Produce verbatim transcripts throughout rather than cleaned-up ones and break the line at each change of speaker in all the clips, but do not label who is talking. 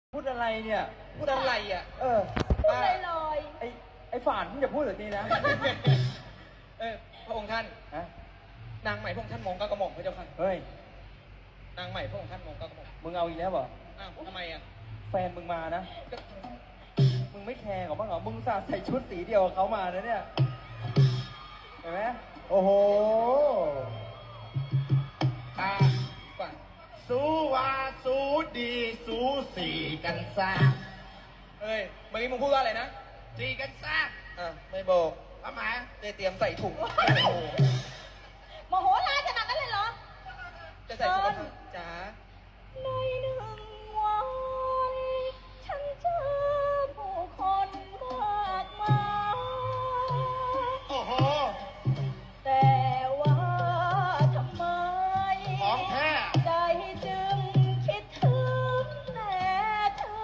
พูดอะไรเนี่ย
พูดอะไรอ่ะ
เออ
พูดลอย
ไอไอฝานมึงอย่าพูดแบบนี้นะ
เออพระองค์ท่าน
ฮะ
นางใหม่พระองค์ท่านมองก็กระหม่อมพระเจ้าค่ะ
เฮ้ย
นางใหม่พระองค์ท่านมองก็กระหม่อม
มึงเอาอีกแล้วเหรอ
อ้าวทำไมอ่ะ
แฟนมึงมานะมึงไม่แคร์กับบ้างเหรอมึงสาใส่ชุดสีเดียวกับเขามานะเนี่ยเห็นไหมโอ้โห
ตาก่อน
สู้ว่าสู้ดีสู้สีกันซะ
เฮ้ยเมื่อกี้มึงพูดว่าอะไรนะ
สีกันซะ
อ่ะไม่บอก
ทำไม
ได้เตรียมใส่ถุง
โมโหร้ายขนาดนั้นเลยเหรอ
จะใส่ถุงกระทะจ๋า
ในหนึ่งวันฉันเจอผู้คนมากมาย
โอ้โห
แต่ว่าทำไม
ของแท้
ใจจึงคิดถึงแต่เธอ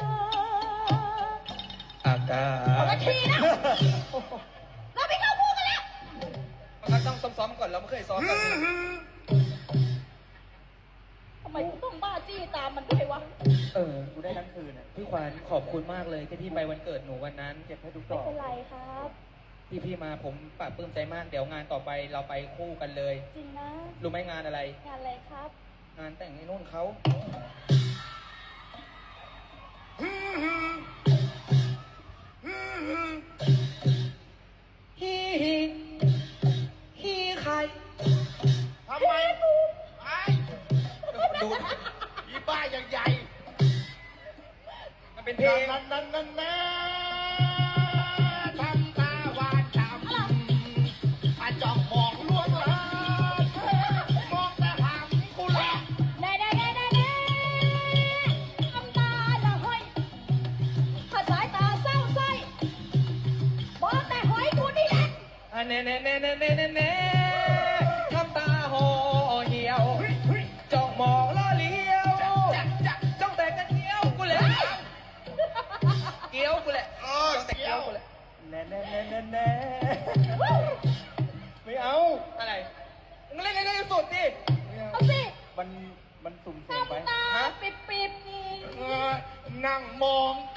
อากา
เอา
ศ
ละทีนะเราไม่เข้าคู่กันแล้ว
มันก็ต้องซ้อมๆก่อนเราไม่เคยซ้อมกัน
ทำไมกูต้องบ้าจี้ตามมันด้วยวะ
เออกูได้ทั้งคืนอ่ะ
พี่ขวัญขอบคุณมากเลยที่พี่ไปวันเกิดหนูวันนั้น
เก็บให้ทุกด
ไม่
อก
เป็นไรครับ
ที่พี่มาผมปลาบปลื้มใจมากเดี๋ยวงานต่อไปเราไปคู่กันเลย
จริงนะ
รู้ไหมงานอะไร
งานอะไรครับ
งานแต่งไอ้นุ่นเขาฮีฮีฮีใคร
ทำไมไอ้
ดู
อีบ้าอย่างใหญ่
มันเป็นเพลง
นั่นนั่นนั่นนะทำตาหวานฉ่ำอาจ้องมองลวงลามองแต่หางกูแหละ
แน่แน่แน่แน่แน่ทำตาละห้อยถ้าสายตาเศร้าไส้บอกแต่หอยกูนี่แหละ
อ่ะเน่เน่เน่เน่เน่เน่เน่ทำตาห่อเหี่ยวจ้องมองล่อเลี้ยวจ้องแต่กันเกี้ยวกูแหละเกี้ยวกูแหละ
เออ
จ้องแต่
เกี่
เกี้
ย
ยว
ว
กูแหละ
แน่แน่แน่แน่แน่ไม่เอา
อะไรมึงเล่นให้ได้สุดดิ
ไม่เอา
เอาสิ
มันมันสุ่มเสี่ยงไป
ทำตา
ฮะ
ปิบปิบๆนี่
เออนั่งมองแต่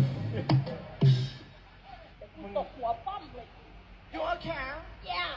มึงตกหัวป้อมเลย
ยัวแขน
Yeah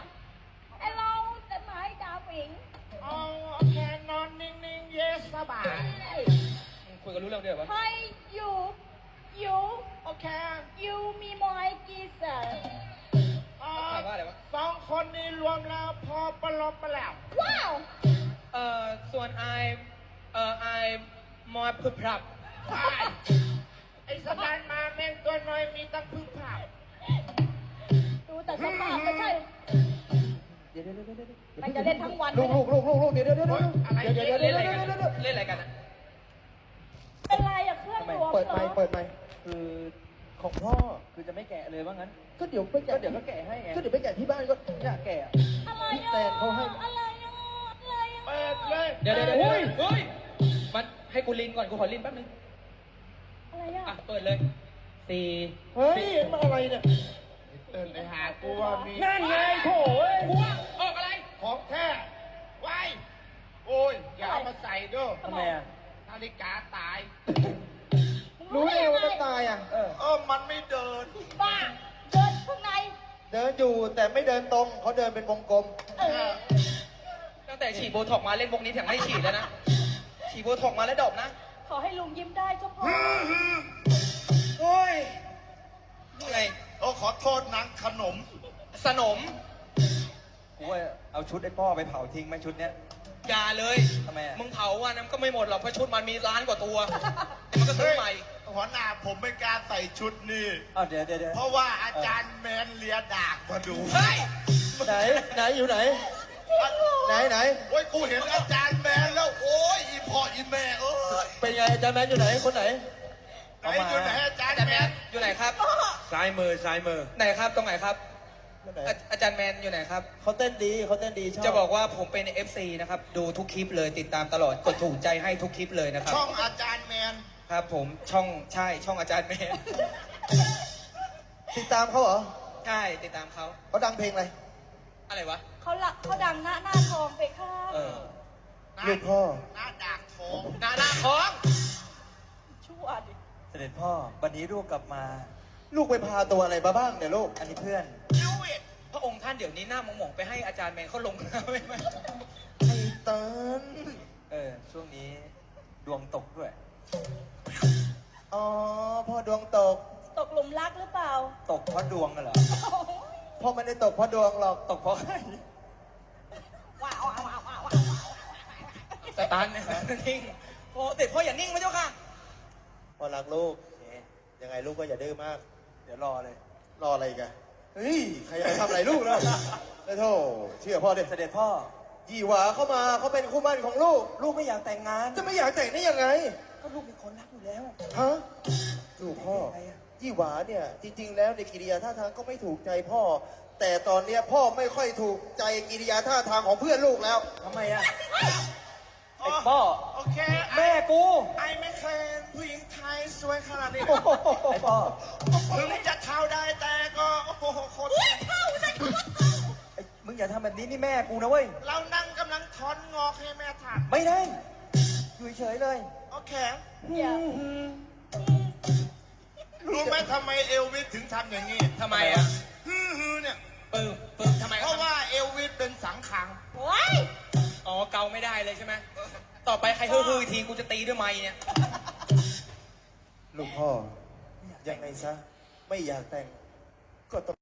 Hello แต่หมายดาวผิง
อ๋อแค่นอนนิ่งๆ เยสสบาย
มึงคุยกันรู้เรื่องเดียวปะ
Hi you you
โอเค
you มีมอยกีเซอร์
อ๋อ
ถามว่าอะไรวะ
สองคนนี้รวมแล้วพอประลบไปแล้ว
ว้าว
เอ่อส่วนไอเอ่อไอมอพึบพรับ
ไอ้ไอ้สบายมาแม่งตัวน้อยมีตั้งพึ่งผับ
ดูแต่สภาพไม่ใช่
เดี๋ยวเดี๋ยวเดี๋ยวเดี๋ยว
มันจะเล่นทั้งวัน
ลูกลูกลูกลูกลูกเดี๋ยวเดี๋ยวเดี๋ยว
โอ๊ยอะไร
เดี๋ยวเดี๋ยว
เล่
เล่น
น
อะไรกันเล่นอะไรกันอะ
เป็นไรอะเครื่องรวม
เปิด
เหร
ไม
อ
ค์เปิดไมค์คือของพ่อคือจะไม่แกะเลยว่างั้น ก็เดี๋ยวไปแกะเดี๋ยวก็แกะให้ไงก็เดี๋ยวไปแกะที่บ้านก็อยากแกะ
อะไร
แฟ
อะ
นเขาให้
อะไรอะอะไรอะ
เปิดเลย
เดี๋ยวเดี๋ยวเดี๋ยวเฮ้ยเฮ้ยมันให้กูลินก่อนกูขอลินแป๊บนึง
อะไรอะ
อ่ะเปิดเลยสี่
เฮ้ยมาอะไรเนี่ย
เดินไปหากูว่ามี
นั่นไงโถ่เอ้ย
กูว่าออกอะไร
ของแท้ไว้โอ้ย อย่าเอามาใส่เด้อ
ทำไมอ่ะ
นาฬิกาตาย
รู้ได้ไงว่ามันตายอ่ะ เออ
เออ มันไม่เดิน
บ้าเดินข้างใน
เดินอยู่แต่ไม่เดินตรงเขาเดินเป็นวงกลม
เออ
ตั้งแต่ฉีดโบท็อกมาเล่นวงนี้ถึงไม่ฉีดแล้วนะฉีดโบท็อกมาแล้วดอกนะ
ขอให้ลุงยิ้มได้ก็พอ
โอ้ยไง
โอ้ขอโทษนังขนม
สนม
กูว่าเอาชุดไอ้พ่อไปเผาทิ้งไหมชุดเนี้ย
อย่าเลย
ทำไมอ่ะ
มึงเผาอ่ะน้ำก็ไม่หมดหรอกเพราะชุดมันมีล้านกว่าตัวเดี๋ยวมันก็ซื้อใหม่
หัวหน้าผมไม่กล้าใส่ชุดนี่
อ้าวเดี๋ยวเดี๋ยวเดี๋ยว
เพราะว่าอาจารย์แมนเลียดากมาดู
เฮ้ย
ไหนไหนอยู่ไหน ไหนไหน
โอ้ย กูเห็นอาจารย์แมนแล้ว โอ้ย อีพ่ออีแม่เอ้ย
เป็นไงอาจารย์แมนอยู่ไหนคนไหน
ไหนอยู่ไหนอาจาร
อา
ย์
จารย์
แม
แม
น
นอยู่ไหนครับ
ซ้ายมือซ้ายมือ
ไหนครับตรงไหนครับ
คนไหน
อาอาจารย์แมนอยู่ไหนครับ
เขาเต้นดีเขาเต้นดีชอบ
จะบอกว่าผมเป็น เอฟ ซี นะครับ ดูทุกคลิปเลยติดตามตลอดกดถูกใจให้ทุกคลิปเลยนะครับ
ช่องอาจารย์แมน
ครับผมช่องใช่ช่องอาจารย์แมน
ติดตามเขาเหรอ
ใช่ติดตามเขา
เขาดังเพลงอะไร
อะไรวะ
เขาละเขาดังหน้าหน้าทองไปค่ะ
เออ
ลูกพ่อ
หน้าดากทอง
หน้าหน้าท้อง
ชั่วดิ
เสด็จพ่อวันนี้ลูกกลับมา
ลูกไปพาตัวอะไรมาบ้างเนี่ยลูก
อันนี้เพื่อน
ยูเวท
พระองค์ท่านเดี๋ยวนี้หน้าหมองๆไปให้อาจารย์แมนเขาลงนะไม่ไม่
ไอ้เตัน
เออ ช่วงนี้ดวงตกด้วย
อ๋อพ่อดวงตก
ตกหลุมรักหรือเปล่า
ตกเพราะดวงกันเหรอ
พ่อไม่ได้ตกเพราะดวงหรอก
ตกเพราะใคร
ว้าวว้าวว้าวว้าว
สตาร์ทเนี่ยนิ่งโอ้เด็กพ่ออย่านิ่งนะเจ้าค่ะ
พ่อรักลูก ยังไงลูกก็อย่าดื้อมาก
เดี๋ยวรอเลย
รออะไรอีกันเฮ้ย ใครจะไปทำอะไรลูกนะไอ้โธ่เชื่อพ่อเด็
เสด็จพ่อ
ยี่หวาเข้ามาเขาเป็นคู่หมั่นของลูก
ลูกไม่อยากแต่งงาน
จะไม่อยากแต่งได้ยังไง
ก็ลูกมีคนรักอยู่แล้ว
ฮะลูกพ่อ
อะไรอะ
ยี่หวาเนี่ย จริง ๆ แล้วในกิริยาท่าทางก็ไม่ถูกใจพ่อ แต่ตอนเนี้ยพ่อไม่ค่อยถูกใจกิริยาท่าทางของเพื่อนลูกแล้ว
ทำไมอะไอ้พ่อ
โอเค
แม่กู
ไอไม่เคยเห็นผู้หญิงไทยสวยขนาดนี้
ไอ้พ่อ
ถึงจะเท่าได้แต่ก็โอ้โหโคตร
ไอ้มึงอย่าทำแบบนี้นี่แม่กูนะเว้ย
เรานั่งกำลังถอนงอกให้แม่ถัด
ไม่ได้ อยู่เฉยๆเลย
โอเค
เดี๋ยว
รู้ไหมทำไมเอลวิสถึงทำอย่างนี้
ทำไมอ่ะ
ฮือฮือเนี่ย
ปึ้มปึ้มทำไม
เพราะว่าเอลวิสเป็นสังขัง
ว้าย
อ๋อเกาไม่ได้เลยใช่ไหมต่อไปใครฮือๆอีกทีกูจะตีด้วยไม้เนี่ย
ลูกพ่อ ยังไงซะ ไม่อยากแต่ง ก็ต้อง